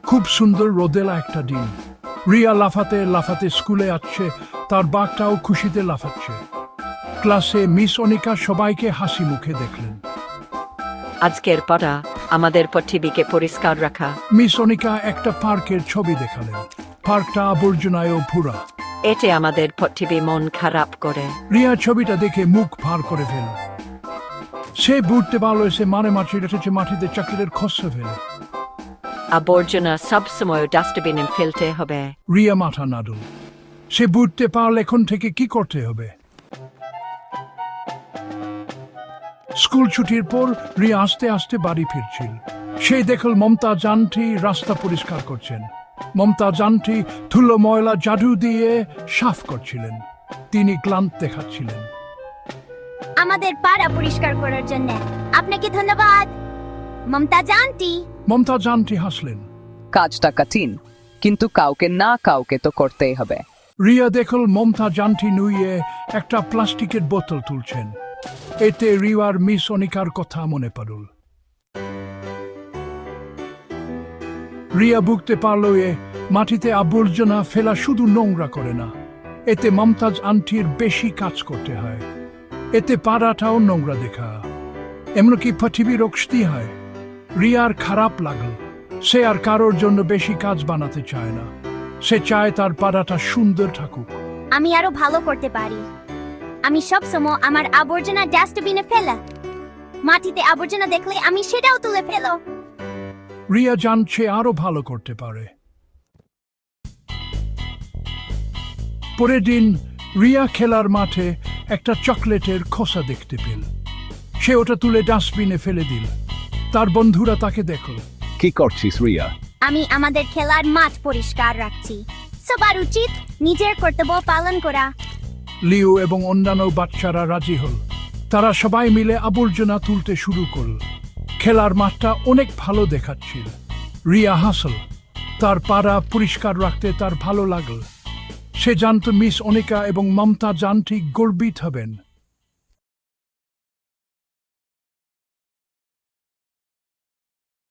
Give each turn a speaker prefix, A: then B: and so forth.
A: খুব সুন্দর রোদেলা একটা দিন। রিয়া লাফাতে লাফাতে স্কুলে আসছে, তার বাঘটাও খুশিতে লাফাচ্ছে। ক্লাসে মিস অনিকা সবাইকে হাসি মুখে দেখলেন।
B: আজকের পড়া আমাদের পৃথিবীকে পরিষ্কার রাখা।
A: মিস অনিকা একটা পার্কের ছবি দেখালেন। পার্কটা আবর্জনায় ভরা।
B: এতে আমাদের পৃথিবী মন খারাপ করে।
A: রিয়া ছবিটা দেখে মুখ ভার করে ফেল। সে বুঝতে পারলো সে মাটিতে চাকরির খসে ফেলে।
B: আবর্জনা সবসময় ডাস্টবিনে ফেলতে হবে।
A: রিয়া মাথা নাড়ল। সে বুঝতে পারল এখন থেকে কি করতে হবে। স্কুল ছুটির পর রিয়া আস্তে আস্তে বাড়ি ফিরছিল। সে দেখল মমতাজ আন্টি রাস্তা পরিষ্কার করছেন। মমতাজ আন্টি ধুলো ময়লা জাদু দিয়ে সাফ করছিলেন। তিনি ক্লান্ত দেখাচ্ছিলেন।
C: আমাদের পাড়া পরিষ্কার করার জন্য আপনাকে ধন্যবাদ মমতাজ আন্টি।
A: মমতাজ আন্টি হাসলেন।
D: কাজটা কঠিন, কিন্তু কাউকে না কাউকে তো করতেই হবে।
A: রিয়া দেখল মমতাজ আন্টি নুইয়ে একটা প্লাস্টিকের বোতল তুলছেন। এতে রিয়ার মিস অনিকার কথা মনে পড়ল। রিয়া বুঝতে পারল মাটিতে আবর্জনা ফেলা শুধু নোংরা করে না, এতে মমতাজ আন্টির বেশি কাজ করতে হয়। এতে পাড়াটাও নোংরা দেখা, এমনকি পৃথিবী রক্ষতি হয়। রিয়ার খারাপ লাগল। সে আর কারোর জন্য বেশি কাজ বানাতে চায় না। সে চায় তার পাড়াটা সুন্দর থাকুক।
C: আমি আরো ভালো করতে পারি। আমি সব সময় আমার আবর্জনা ডাস্টবিনে ফেলা। মাটিতে আবর্জনা দেখলে আমি সেটাও তুলে ফেলো।
A: রিয়া জানছে আরো ভালো করতে পারে। পরের দিন রিয়া খেলার মাঠে একটা চকলেটের খোসা দেখতে পেল। সে ওটা তুলে ডাস্টবিনে ফেলে দিল। তার বন্ধুরা তাকে দেখল।
E: কি করছিস রিয়া?
C: আমি আমাদের খেলার মাঠ পরিষ্কার রাখছি। সবার উচিত নিজের কর্তব্য পালন করা।
A: লিও এবং অন্যান্য বাচ্চারা রাজি হল। তারা সবাই মিলে আবর্জনা তুলতে শুরু করল। খেলার মাঠটা অনেক ভালো দেখাচ্ছিল। রিয়া হাসল। তার পাড়া পরিষ্কার রাখতে তার ভালো লাগল। সে জানত মিস অনিকা এবং মমতাজ আন্টি গর্বিত হবেন।